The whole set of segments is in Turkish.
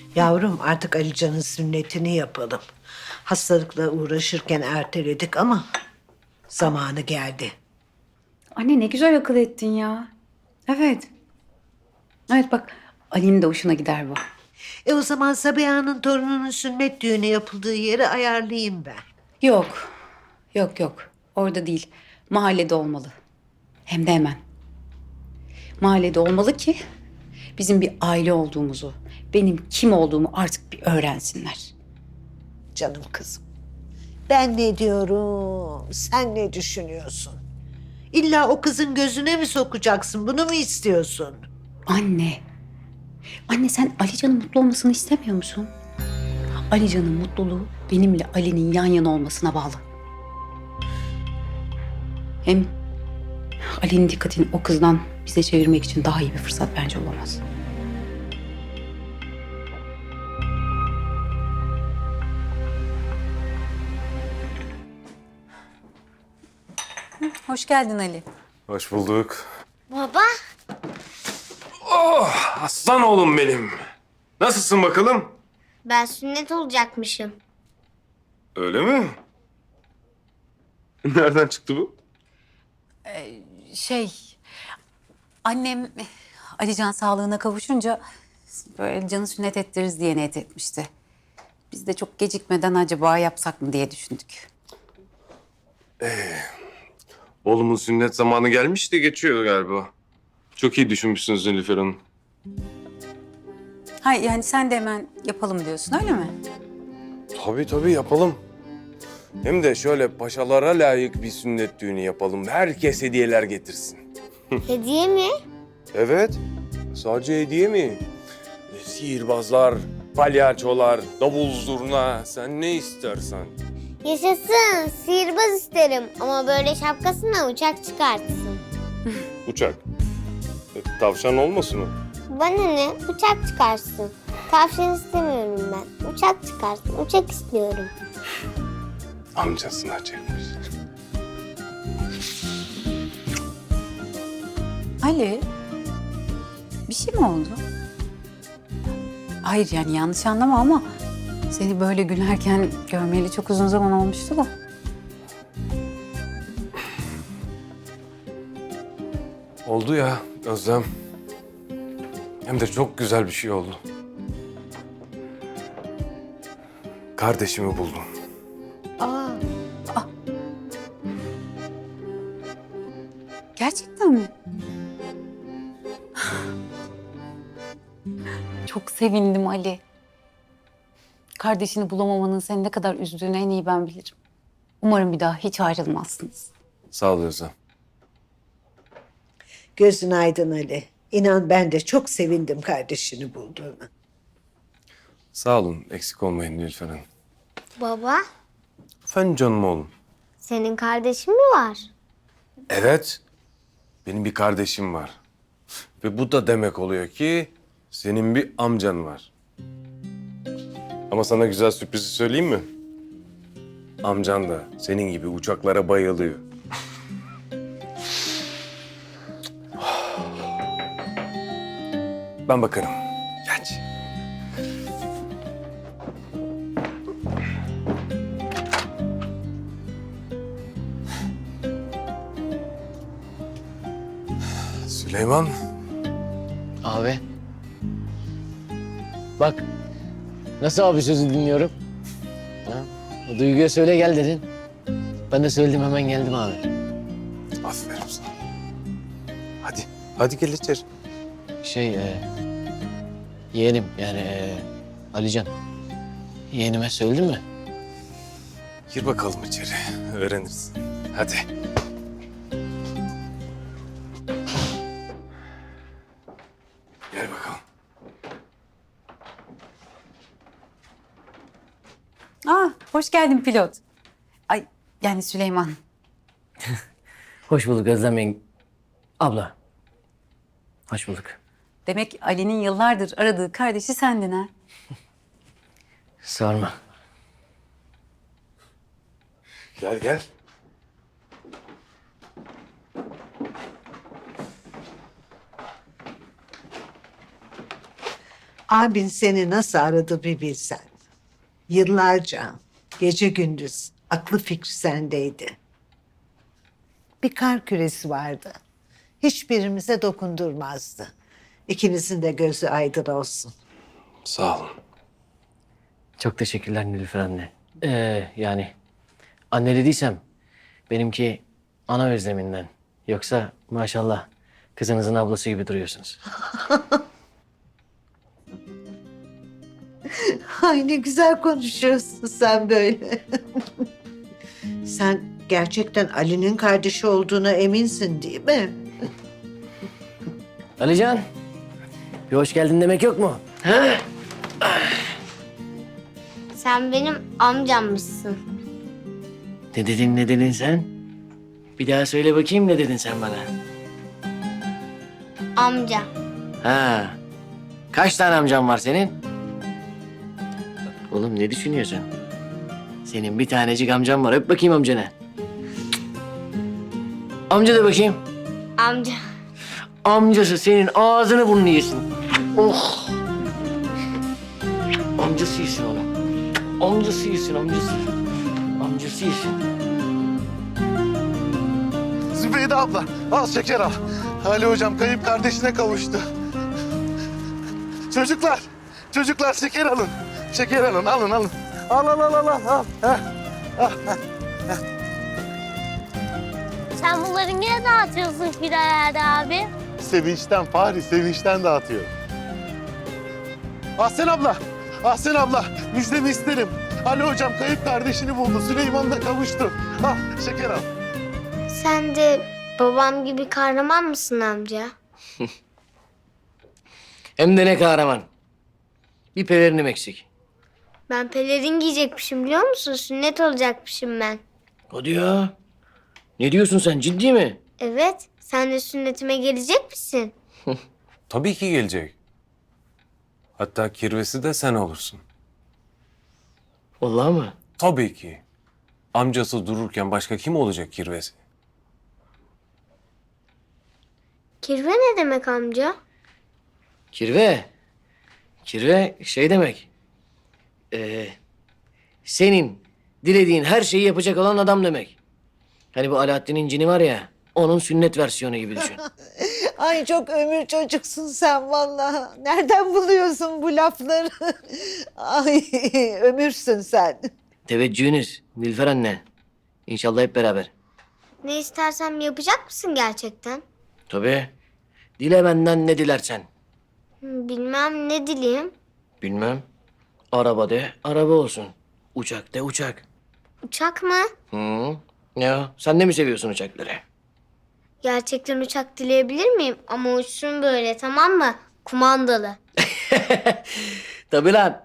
Yavrum artık Alican'ın sünnetini yapalım. Hastalıkla uğraşırken erteledik ama zamanı geldi. Anne ne güzel akıl ettin ya. Evet. Evet bak Ali'nin de hoşuna gider bu. O zaman Sabiha'nın torununun sünnet düğünü yapıldığı yeri ayarlayayım ben. Yok. Yok. Orada değil. Mahallede olmalı. Hem de hemen. Mahallede olmalı ki bizim bir aile olduğumuzu, benim kim olduğumu artık bir öğrensinler. Canım kızım. Ben ne diyorum, sen ne düşünüyorsun? İlla o kızın gözüne mi sokacaksın, bunu mu istiyorsun? Anne. Anne sen Alican'ın mutlu olmasını istemiyor musun? Alican'ın mutluluğu benimle Ali'nin yan yana olmasına bağlı. Hem Ali'nin dikkatini o kızdan bize çevirmek için daha iyi bir fırsat bence olamaz. Hoş geldin Ali. Hoş bulduk. Baba, Aslan oğlum benim. Nasılsın bakalım? ben sünnet olacakmışım. Öyle mi? Nereden çıktı bu? Annem Alican sağlığına kavuşunca böyle Alican'ı sünnet ettiririz diye niyet etmişti. Biz de çok gecikmeden acaba yapsak mı diye düşündük. Oğlumun sünnet zamanı gelmiş de geçiyor galiba. Çok iyi düşünmüşsünüz Nilüfer Hanım. Hayır yani sen de hemen yapalım diyorsun öyle mi? Tabii yapalım. Hem de şöyle paşalara layık bir sünnet düğünü yapalım. Herkes hediyeler getirsin. Hediye mi? Evet. Sadece hediye mi? Sihirbazlar, palyaçolar, davul zurna. Sen ne istersen. Yaşasın, sihirbaz isterim ama böyle şapkasına uçak çıkartsın. Uçak. Tavşan olmasın o? Bana ne? Uçak çıkarsın. Tavşan istemiyorum ben. Uçak çıkarsın. Uçak istiyorum. Amcasına çekmiş. Ali, bir şey mi oldu? Hayır yani yanlış anlama ama seni böyle gülerken görmeyeli çok uzun zaman olmuştu da. Oldu ya Özlem. Hem de çok güzel bir şey oldu. Kardeşimi buldum. Aa, Gerçekten mi? Çok sevindim Ali. Kardeşini bulamamanın seni ne kadar üzdüğünü en iyi ben bilirim. Umarım bir daha hiç ayrılmazsınız. Sağ ol Özlem. gözün aydın Ali. İnan ben de çok sevindim kardeşini bulduğuna. Sağ olun. Eksik olmayın Nilüfer Hanım. Baba, Efendim canım oğlum. senin kardeşin mi var? Evet. Benim bir kardeşim var. Ve bu da demek oluyor ki senin bir amcan var. Ama sana güzel sürprizi söyleyeyim mi? Amcan da senin gibi uçaklara bayılıyor. Ben bakarım. Geç. Süleyman. Abi. Bak. Nasıl abi sözü dinliyorum? Ha? O Duygu'ya söyle gel dedin. Ben de söyledim hemen geldim abi. Aferin sana. Hadi. Hadi gel içeri. Yeğenim yani Alican. Yeğenime söyledin mi? Gir bakalım içeri. Öğrenirsin. Hadi. Gel bakalım. Hoş geldin pilot. Ay yani Süleyman. Hoş bulduk Özlem abla. Hoş bulduk. Demek Ali'nin yıllardır aradığı kardeşi sendin ha. Sorma. Gel. Abin seni nasıl aradı bir bilsen. Yıllarca gece gündüz aklı fikri sendeydi. Bir kar küresi vardı. Hiçbirimize dokundurmazdı. İkimizin de gözü aydın olsun. Sağ olun. Çok teşekkürler Nilüfer anne. Yani anne dediysem benimki ana özleminden. Yoksa maşallah kızınızın ablası gibi duruyorsunuz. Ay ne güzel konuşuyorsun sen böyle. Sen gerçekten Ali'nin kardeşi olduğuna eminsin değil mi? Alican, bir hoş geldin demek yok mu? Ha? Sen benim amcammışsın. Ne dedin sen? Bir daha söyle bakayım ne dedin sen bana? Amca. Ha. Kaç tane amcam var senin? Oğlum ne düşünüyorsun? Senin bir tanecik amcam var. Öp bakayım amcana. Amca da bakayım. Amca. Amcası senin ağzını burnunu yesin. Oh. Amcası yesin onu. Amcası yesin, amcası. Amcası yesin. Zübeyde abla, al şeker al. Ali hocam kayıp kardeşine kavuştu. Çocuklar şeker alın. Şeker alın, alın. Al. Sen bunları niye dağıtıyorsun Firayade abi? Sevinçten Fahri, sevinçten dağıtıyor. Ahsen abla, müjdemi isterim. Ali hocam kayıp kardeşini buldu, Süleyman'la kavuştu. Al, şeker al. Sen de babam gibi kahraman mısın amca? Hem de ne kahraman. Bir pelerinim eksik. Ben pelerin giyecekmişim biliyor musun? Sünnet olacakmışım ben. Hadi ya. Ne diyorsun sen, ciddi mi? Evet, sen de sünnetime gelecek misin? Tabii ki gelecek. Hatta kirvesi de sen olursun. Vallahi mı? Tabii ki. Amcası dururken başka kim olacak kirvesi? Kirve ne demek amca? Kirve. Kirve şey demek. Senin dilediğin her şeyi yapacak olan adam demek. Hani bu Alaaddin'in cini var ya, onun sünnet versiyonu gibi düşün. Ay çok ömür çocuksun sen vallahi. Nereden buluyorsun bu lafları? Ay ömürsün sen. Teveccühünüz Nilüfer anne. İnşallah hep beraber. Ne istersem yapacak mısın gerçekten? Tabii. Dile benden ne dilersen. Bilmem ne dileyim. Bilmem. Araba de, araba olsun. Uçak de, uçak. Uçak mı? Hı. Ya sen de mi seviyorsun uçakları? Gerçekten uçak dileyebilir miyim? Ama uçsun böyle tamam mı? Kumandalı. Tabii lan.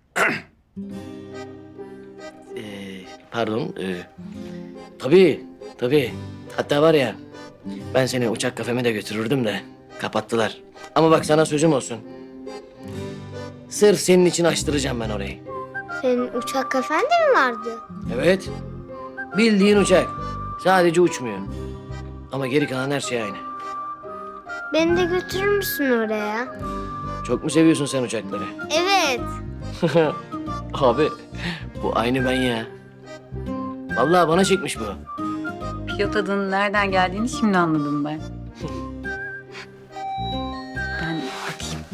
Pardon. Tabii. Hatta var ya, ben seni uçak kafeme de götürürdüm de kapattılar. Ama bak sana sözüm olsun. Sırf senin için açtıracağım ben orayı. Senin uçak kafen de mi vardı? Evet. Bildiğin uçak. Sadece uçmuyor. Ama geri kalan her şey aynı. Beni de götürür müsün oraya? Çok mu seviyorsun sen uçakları? Evet. Abi bu aynı ben ya. Vallahi bana çekmiş bu. Pilot adının nereden geldiğini şimdi anladım ben. Ben bakayım.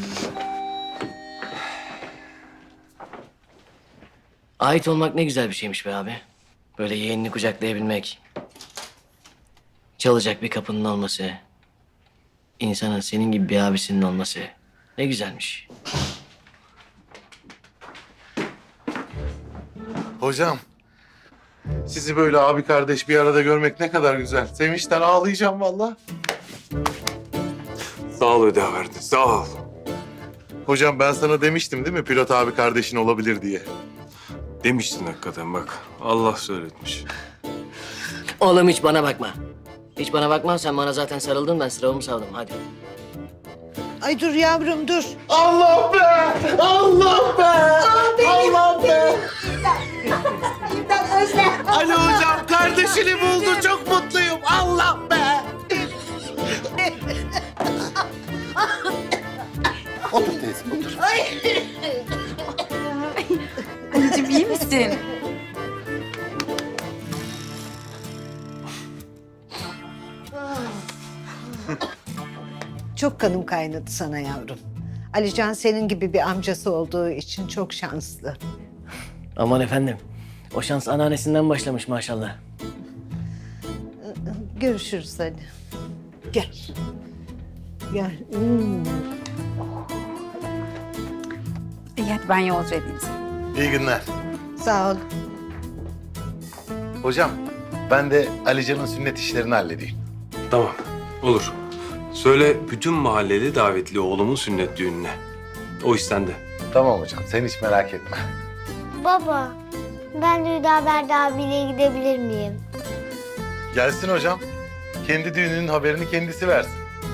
Ait olmak ne güzel bir şeymiş be abi. Böyle yeğenini kucaklayabilmek. Çalacak bir kapının olması. İnsanın senin gibi bir abisinin olması. Ne güzelmiş. Hocam, sizi böyle abi kardeş bir arada görmek ne kadar güzel. Sevinçten ağlayacağım vallahi. Sağ ol Hüdaverdi, sağ ol. Hocam ben sana demiştim değil mi pilot abi kardeşin olabilir diye. Demiştin hakikaten bak. Allah söyletmiş. Oğlum hiç bana bakma. Hiç bana bakma, sen bana zaten sarıldın, ben sıramı savdım. Hadi. Ay dur yavrum dur. Allah be! Allah be! Allah be! Ali hocam kardeşini buldu. Çok mutluyum. Allah be! Otur teyze, otur. Anneciğim iyi misin? Çok kanım kaynadı sana yavrum. Alican senin gibi bir amcası olduğu için çok şanslı. Aman efendim. O şans anneannesinden başlamış maşallah. Görüşürüz hadi. Gel. Gel. İyi hadi ben yolcu edeyim seni. İyi günler. Sağ ol. Hocam, ben de Alican'ın sünnet işlerini halledeyim. Tamam, olur. Söyle bütün mahalleli davetli oğlumun sünnet düğününe. O iş sende. Tamam hocam, sen hiç merak etme. Baba, ben de Hüdaverdi abiyle gidebilir miyim? Gelsin hocam. Kendi düğününün haberini kendisi versin.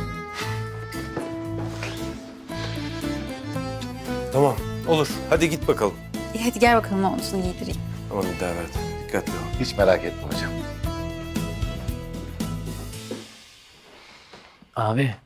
Tamam, olur. Hadi git bakalım. İyi hadi gel bakalım omzunu giydireyim. Aman bir daha verdi. Dikkatli ol. Hiç merak etme hocam. Abi.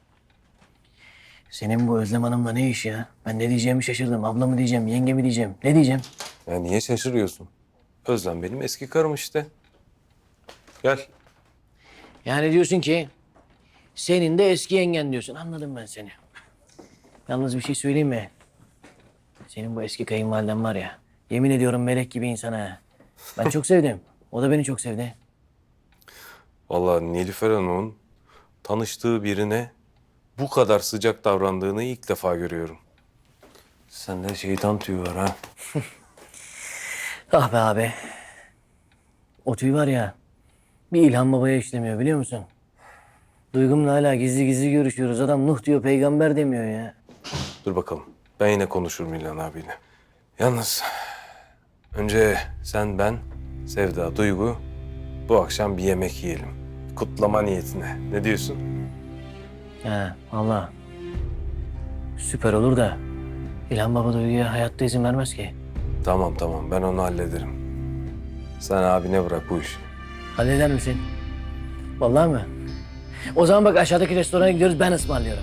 Senin bu Özlem Hanım'la ne iş ya? Ben ne diyeceğimi şaşırdım. Abla mı diyeceğim, yenge mi diyeceğim? Ne diyeceğim? Ya niye şaşırıyorsun? Özlem benim eski karım işte. Gel. Yani diyorsun ki senin de eski yengen diyorsun. Anladım ben seni. Yalnız bir şey söyleyeyim mi? Senin bu eski kayınvaliden var ya. Yemin ediyorum melek gibi insan ha. Ben çok sevdim. O da beni çok sevdi. Vallahi Nilüfer Hanım'ın tanıştığı birine bu kadar sıcak davrandığını ilk defa görüyorum. Sende şeytan tüyü var ha. Ah be abi. O tüy var ya. Bir İlhan Baba'ya işlemiyor biliyor musun? Duygumla hala gizli gizli görüşüyoruz. Adam Nuh diyor, peygamber demiyor ya. Dur bakalım. Ben yine konuşurum İlhan abiyle. Yalnız önce sen, ben, Sevda, Duygu bu akşam bir yemek yiyelim. Kutlama niyetine. Ne diyorsun? Ha vallahi. Süper olur da İlhan Baba Duygu'ya hayatta izin vermez ki. Tamam ben onu hallederim. Sen abine bırak bu işi. Halleder misin? Vallahi mi? O zaman bak aşağıdaki restorana gidiyoruz, ben ısmarlıyorum.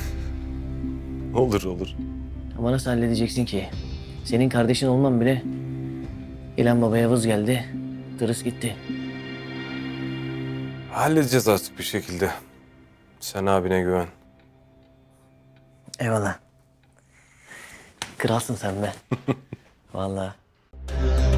Olur. Ama nasıl halledeceksin ki? Senin kardeşin olmam bile İlhan Baba'ya vız geldi, tırıs gitti. Halledeceğiz artık bir şekilde. Sen abine güven. Eyvallah. Kralsın sen be. Vallahi.